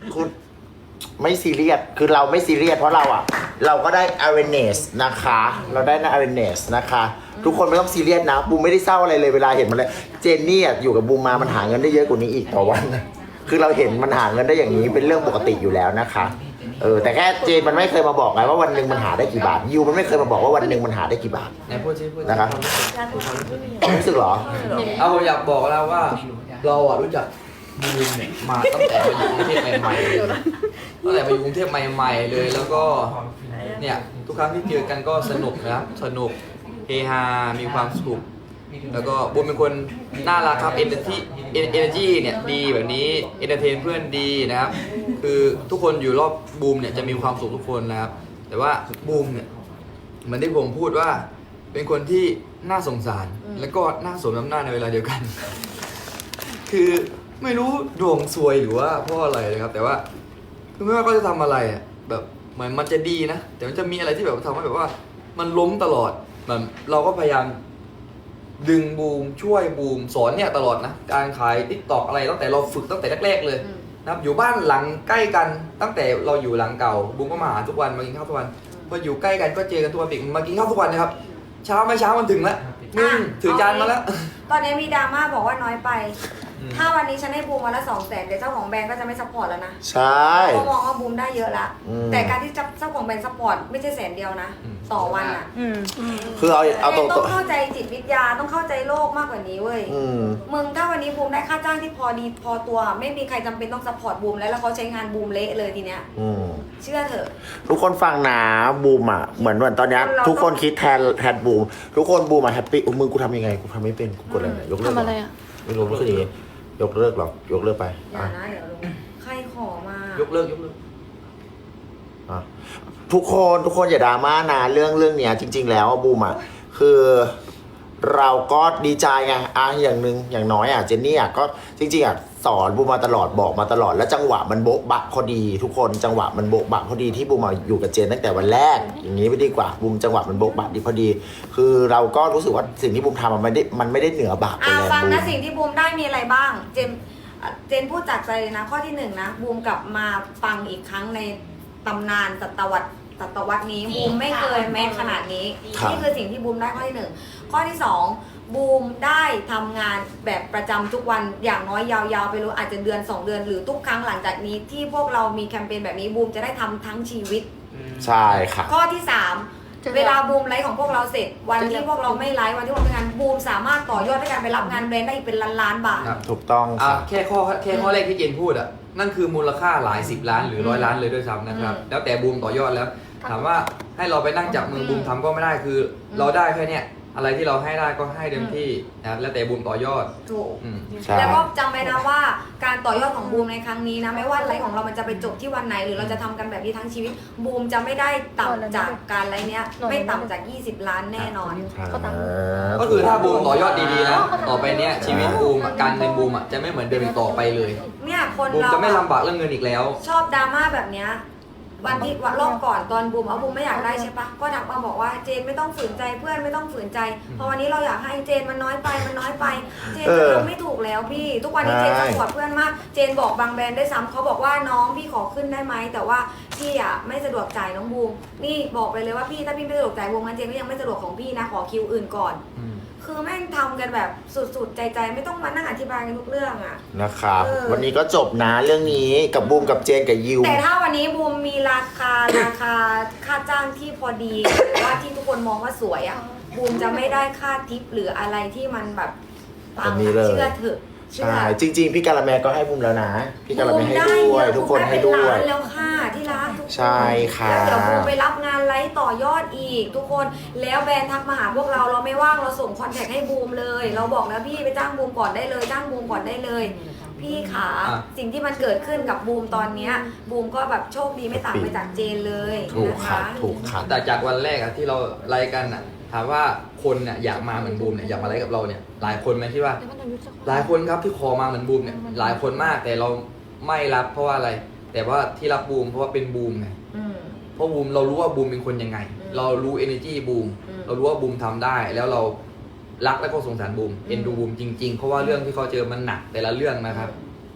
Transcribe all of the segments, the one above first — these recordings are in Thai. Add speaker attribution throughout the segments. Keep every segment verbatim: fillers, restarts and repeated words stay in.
Speaker 1: คุณไม่ซีเรียสคือเราไม่ซีเรียสเพราะเราอ่ะเราก็ได้ awareness นะคะเราได้นะ awareness นะคะทุกคนไม่ต้องซีเรียสนะบูมไม่ได้เศร้าอะไรเลยเวลาเห็นมันเลยเจนนี่อ่ะอยู่กับบูมมามันหาเงินได้เยอะกว่านี้อีกต่อวันคือเราเห็นมันหาเงินได้อย่างนี้เป็นเรื่องปกติอยู่แล้วนะคะเออแต่แค่เจนมันไม่เคยมาบอกไงว่าวันหนึ่งมันหาได้กี่บาทยูมันไม่เคยมาบอกว่าวันหนึ่งมันหาได้กี่บาท
Speaker 2: ไหนพูดซิพูดซิ
Speaker 1: นะครับรู้สึกเหรอ
Speaker 2: เอาผมอยากบอกแล้วว่าเราอ่ะรู้จักบูมเนี่ยมาตั้งแต่มาอยู่กรุงเทพใหม่ๆเลยตั้งแต่มาอยู่กรุงเทพใหม่ๆเลยแล้วก็เนี่ยทุกครั้งที่เจอกันก็สนุกนะครับสนุกเฮฮามีความสุขแล้วก็บูมเป็นคนน่ารักครับเอเนอร์จีเอเนอร์จีเนี่ยดีแบบนี้เอนเตอร์เทนเพื่อนดีนะครับคือทุกคนอยู่รอบบูมเนี่ยจะมีความสุขทุกคนนะครับแต่ว่าบูมเนี่ยเหมือนที่ผมพูดว่าเป็นคนที่น่าสงสารแล้วก็น่าสมน้ำหน้าในเวลาเดียวกัน คือไม่รู้ดวงซวยหรือว่าเพราะอะไรนะครับแต่ว่าคือไม่ว่าเขาจะทำอะไรอ่ะแบบเหมือนมันจะดีนะแต่มันจะมีอะไรที่แบบทำให้แบบว่ามันล้มตลอดแบบเราก็พยายามดึงบูมช่วยบูมสอนเนี่ยตลอดนะการขายติ๊กตอกอะไรตั้งแต่เราฝึกตั้งแต่แรกๆเลยนะครับอยู่บ้านหลังใกล้กันตั้งแต่เราอยู่หลังเก่าบูมก็มาหาทุกวันมากินข้าวทุกวันพออยู่ใกล้กันก็เจอกันทุกวันปิกมากินข้าวทุกวันนะครับเช้าไม่เช้ามันถึงแล้วนึ่งถือจานมาแล้ว
Speaker 3: ตอนนี้มีดราม่าบอกว่าน้อยไป ถ้าวันนี้ฉันให้บูมวันละสองแสนเดี๋ยวเจ้าของแบรนด์ก็จะไม่ซัพพอร์ตแล้วนะ
Speaker 1: ใช่
Speaker 3: เขามองว่าบูมได้เยอะละ
Speaker 1: อืม
Speaker 3: แต่การที่เจ้าของแบรนด์ซัพพอร์ตไม่ใช่แสนเดียวนะ
Speaker 2: อืม
Speaker 3: ต่อวันอ่ะ
Speaker 1: คือเอาเอาตรง
Speaker 3: ต้องเข้าใจจิตวิทยาต้องเข้าใจโลกมากกว่านี้เว้ย
Speaker 1: ๆอืม
Speaker 3: มึงถ้าวันนี้บูมได้ค่าจ้างที่พอดีพอตัว ไม่มีใครจำเป็นต้องซัพพอร์ตบูมแล้วแล้วเขาใช้งานบูมเละเลยทีเนี้ย
Speaker 1: อืม
Speaker 3: เชื่อเถอะ
Speaker 1: ทุกคนฟังนะบูมอ่ะเหมือนเหมือนตอนเนี้ย
Speaker 3: เรา
Speaker 1: ทุกคนคิดแทนแทนบูมทุกคนบูมอ่ะแฮปปี้อุ้ยมึงกูทำยังไงกูทำไม่เป็นกูกดอะไรเนี่ยยกเลิก
Speaker 4: ทำอะไร
Speaker 1: เห
Speaker 4: อ่ะ
Speaker 1: ไม่รู้ไม่คืออย่างงี้ยกเลิกหรอกยกเลิกไป
Speaker 3: อย่า
Speaker 1: อ่ะ
Speaker 3: นะเดี๋ยวลุงใครขอมา
Speaker 2: ยกเลิกยกเลิก
Speaker 1: อ่ะทุกคนทุกคนอย่าดราม่านะเรื่องเรื่องเนี้ยจริง ๆ แล้วอ่ะบูมอ่ะคือเราก็ดีใจไงอ่ะอย่างหนึ่งอย่างน้อยอ่ะเจนนี่อ่ะก็จริงๆอ่ะสอนบูมมาตลอดบอกมาตลอดแล้วจังหวะมันโบ๊ะบะพอดี ทุกคนจังหวะมันโบ๊ะบะพอดีที่บูมมาอยู่กับเจนตั้งแต่วันแรกอย่างนี้ไม่ดีกว่าบูมจังหวะมันโบ๊ะบะดีพอดี คือเราก็รู้สึกว่าสิ่งที่บูมทำมันไม่ได้มันไม่ได้เหนือบาปไป
Speaker 3: อ่า
Speaker 1: แล้ว
Speaker 3: ฟัง
Speaker 1: บู
Speaker 3: นะ
Speaker 1: ม
Speaker 3: สิ่งที่บูมได้มีอะไรบ้าง เจมอ่ะเจนพูดจากใจเลยนะ ข้อที่หนึ่งนะบูมกลับมาฟังอีกครั้งในตำนานศตวรรษศตวรรษนี้บูมไม่เคยแม้ขนาดนี้
Speaker 1: ครับ
Speaker 3: นี่คือสิ่งที่บูมได้ข้อที่หนึ่งข้อที่สองบูมได้ทำงานแบบประจำทุกวันอย่างน้อยยาวๆไปรู้อาจจะเดือนสองเดือนหรือทุกครั้งหลังจากนี้ที่พวกเรามีแคมเปญแบบนี้บูมจะได้ทำทั้งชีวิต
Speaker 1: ใช่ค่ะ
Speaker 3: ข้อที่สามเวลาบูมไลฟ์ของพวกเราเสร็จ วันที่พวกเราไม่ไลฟ์วันที่พวกเราทำงานบูมสามารถต่อยอดด้วยการไปรับงานแบรนด์ได้อีกเป็นล้านล้านๆบาท
Speaker 2: ครับ
Speaker 1: ถูกต้อง
Speaker 2: อ่ะ
Speaker 1: ค่ะ
Speaker 2: แค่ข้อแค่ข้อแรกที่เจนพูดอ่ะนั่นคือมูลค่าหลายสิบล้านหรือร้อยล้านเลยด้วยซ้ำนะครับ
Speaker 3: อืม
Speaker 2: แล้วแต่บูมต่อยอดแล้ว ถามว่าให้เราไปนั่งจับมือบูมทำก็ไม่ได้คืออเราได้แค่เนี้ยอะไรที่เราให้ได้ก็ให้เต็มที่นะครับแล้วแต่บูมต่อยอด
Speaker 3: ถูก
Speaker 2: อืม
Speaker 1: ใช่
Speaker 3: แล้วก็จำไว้นะว่าการต่อยอดของบูมในครั้งนี้นะไม่ว่าไลฟ์ของเรามันจะไปจบที่วันไหน หรือเราจะทำกันแบบนี้ทั้งชีวิตบูมจะไม่ได้ต่ำจากการไลฟ์เนี้ยไม่ต่ำจากยี่สิบล้านแน่นอน
Speaker 4: เขาตาม
Speaker 2: ก็คือถ้าบูมต่อยอดดีๆนะต่อไปเนี้ยชีวิตบูมอ่ะการเงินบูมอ่ะจะไม่เหมือนเดิมอีกต่อไปเลย
Speaker 3: เนี่ยคน
Speaker 2: บูม
Speaker 3: เรา
Speaker 2: จะไม่
Speaker 3: อะ
Speaker 2: ลำบากเรื่องเงินอีกแล้ว
Speaker 3: ชอบดราม่าแบบเนี้ยวันที่วันรอบก่อนตอนบูมเอาบูมไม่อยากได้ใช่ปะก็ทักมาบอกว่าเจนไม่ต้องฝืนใจเพื่อนไม่ต้องฝืนใจเพราะวันนี้เราอยากให้เจนมันน้อยไปมันน้อยไปเจน
Speaker 1: เอ
Speaker 3: จะ
Speaker 1: อ
Speaker 3: ทำไม่ถูกแล้วพี่ ทุกวันนี้เจน
Speaker 1: ใช่
Speaker 3: สปอร์ตเพื่อนมากเจนบอกบางแบรนด์ได้วยซ้ำเขาบอกว่าน้องพี่ขอขึ้นได้ไหมแต่ว่าพี่อ่ะไม่สะดวกจ่ายน้องบูมนี่บอกไปเลยว่าพี่ถ้าพี่ไม่สะดวกจ่ายบูมงั้นเจนก็ยังไม่สะดวกของพี่นะขอคิวอื่นก่อน
Speaker 2: อืม
Speaker 3: คือแม่งทำกันแบบสุดๆใจๆไม่ต้องมานั่งอธิบายกันทุกเรื่องอ่ะ
Speaker 1: นะครับ
Speaker 3: เออ
Speaker 1: วันนี้ก็จบนะเรื่องนี้กับบูมกับเจนกับยิว
Speaker 3: แต่ถ้าวันนี้บูมมีราคา ราคาค่าจ้างที่พอดีหรือว่าที่ทุกคนมองว่าสวยอ่ะบูมจะไม่ได้ค่าทิปหรืออะไรที่มันแบบปั
Speaker 1: อั
Speaker 3: ง
Speaker 1: นนี้เลย
Speaker 3: เชื่อเถอะเชื่อ
Speaker 1: ใช่จริง ๆ พี่การาแมก็ให้บูมแล้วนะ พี่การาแมให้ด้วย
Speaker 3: บูมไ
Speaker 1: ทุกคนให้ด้วย
Speaker 3: บูมไเป็นล้านแล้วค่ะที่รักทุกคน
Speaker 1: ใช่ค่ะ
Speaker 3: แล้วเดี๋ยวบูมไปรับงานไลฟ์ต่อยอดอีก ทุกคนแล้วแบรนด์ทักมาหาพวกเราเราไม่ว่างเราส่งคอนแทคให้บูมเลย เราบอกแล้วพี่ไปจ้างบูมก่อนได้เลยจ้างบูมก่อนได้เลย พี่ขา
Speaker 2: อ่ะ
Speaker 3: สิ่งที่มันเกิดขึ้นกับบูมตอนเนี้ยบูมก็แบบโชคดีไม่ต่างไปจากเจนเลย
Speaker 1: ถูก
Speaker 3: นะ
Speaker 1: ค่ะ
Speaker 3: คะ
Speaker 1: ถูกค่ะ
Speaker 2: แต่จากวันแรกอะที่เราไล่กันอะถามว่าคนเนี่ยอยากมาเหมือนบูมเนี่ยอยากมาไล่กับเราเนี่ยหลายคนไหมที่ว่า หลายคนครับที่คอมาเหมือนบูมเนี่ยหลายคนมากแต่เราไม่รับเพราะว่าอะไร แต่ว่าที่รับบูมเพราะว่าเป็นบูมไง
Speaker 3: อืม
Speaker 2: เพราะบูมเรารู้ว่าบูมเป็นคนยังไง
Speaker 3: อืม
Speaker 2: เรารู้ energy บูม
Speaker 3: อืม
Speaker 2: เรารู้ว่าบูมทำได้ แล้วเรารักและก็สงสารบูม
Speaker 3: อืม
Speaker 2: เอ็นดูบูมจริงๆ เพราะว่าเรื่องที่เขาเจอมันหนักแต่ละเรื่องนะครับ อืม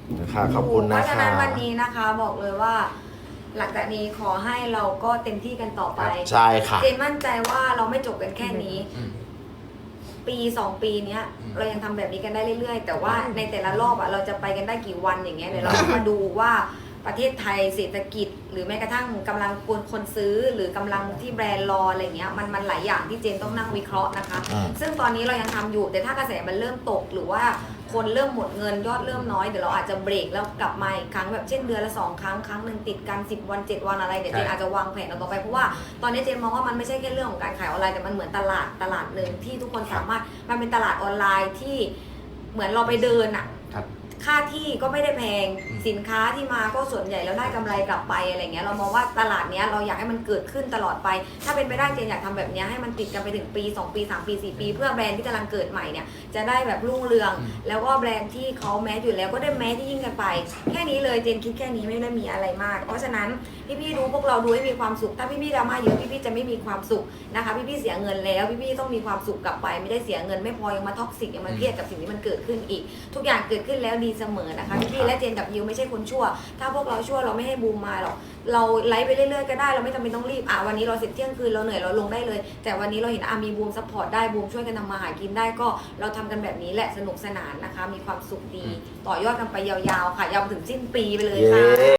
Speaker 1: นะคะขอบคุณ
Speaker 3: เพ
Speaker 1: นะ
Speaker 3: ราะฉะ
Speaker 1: คะ
Speaker 3: นั้นวันนี้นะคะบอกเลยว่า หลังจากนี้ขอให้เราก็เต็มที่กันต่อไป
Speaker 1: ใช่ค่ะ
Speaker 3: เจนมั่นใจว่าเราไม่จบกันแค่นี้
Speaker 2: อืม
Speaker 3: ปีสองปีเนี้ย
Speaker 2: อืม
Speaker 3: เรายังทำแบบนี้กันได้เรื่อยๆ แต่ว่าในแต่ละรอบอะเราจะไปกันได้กี่วันอย่างเงี้ยเดี๋ยวเราต้องมาดูว่าประเทศไทยเศรษฐกิจ หรือแม้กระทั่งกำลังคนคนซื้อหรือกำลังที่แบรนด์รออะไรเงี้ยมันมันหลายอย่างที่เจนต้องนั่งวิเคราะห์นะคะ
Speaker 1: อืม
Speaker 3: ซึ่งตอนนี้เรายังทำอยู่แต่ถ้ากระแสมันเริ่มตกหรือว่าคนเริ่มหมดเงินยอดเริ่มน้อยเดี๋ยวเราอาจจะเบรกแล้วกลับมาอีกครั้งแบบเช่นเดือนละสองครั้งครั้งหนึ่งติดกันสิบวันเจ็ดวันอะไรเดี๋ยวเจนอาจจะวางแผนเอาต่อไปเพราะว่าตอนนี้เจนมองว่ามันไม่ใช่แค่เรื่องของการขายออนไลน์แต่มันเหมือนตลาดตลาดหนึ่งที่ทุกคนสามารถมันเป็นตลาดออนไลน์ที่เหมือนเราไปเดินอะ
Speaker 2: ครับ
Speaker 3: ค่าที่ก็ไม่ได้แพง
Speaker 2: อืม
Speaker 3: สินค้าที่มาก็ส่วนใหญ่แล้วได้กำไรกลับไปอะไรเงี้ยเรามองว่าตลาดเนี้ยเราอยากให้มันเกิดขึ้นตลอดไป ถ้าเป็นไปได้เจนอยากทำแบบเนี้ยให้มันติดกันไปถึงปีสองปีสามปีสี่ปี เพื่อแบรนด์ที่กำลังเกิดใหม่เนี่ยจะได้แบบรุ่งเรือง
Speaker 2: อืม
Speaker 3: แล้วก็แบรนด์ที่เขาแมสอยู่แล้วก็ได้แมสที่ยิ่งกันไป แค่นี้เลยเจนคิดแค่นี้ไม่ได้มีอะไรมาก เพราะฉะนั้นพี่ๆดูพวกเราดูให้มีความสุขถ้าพี่ๆดราม่าเยอะพี่ๆจะไม่มีความสุขนะคะพี่ๆเสียเงินแล้วพี่ๆต้องมีความสุขกลับไป ไม่ได้เสียเงินไม่พอยังมาท็อกซิกยังมาเครียดกับสิ่งที่มันเกิดขึ้นอีก ทุกอย่างเกิดขึ้นแล้วดีเสมอนะคะพี่ๆและเจนกับยิวไม่ใช่คนชั่ว ถ้าพวกเราชั่วเราไม่ให้บูมมาหรอกเราไลฟ์ไปเรื่อยๆก็ได้เราไม่จำเป็นต้องรีบอ่ะวันนี้เราเสร็จเที่ยงคืนเราเหนื่อยเราลงได้เลย แต่วันนี้เราเห็นอามีบูมซัพพอร์ตได้บูมช่วยกันทำมาหากินได้ก็เราทำกันแบบนี้แหละสนุกสนานนะคะ มีความสุขดี ต่อยอดกันไปยาวๆค่ะยาวไปถึงสิ้นปีไปเลยค่ะ
Speaker 1: เย้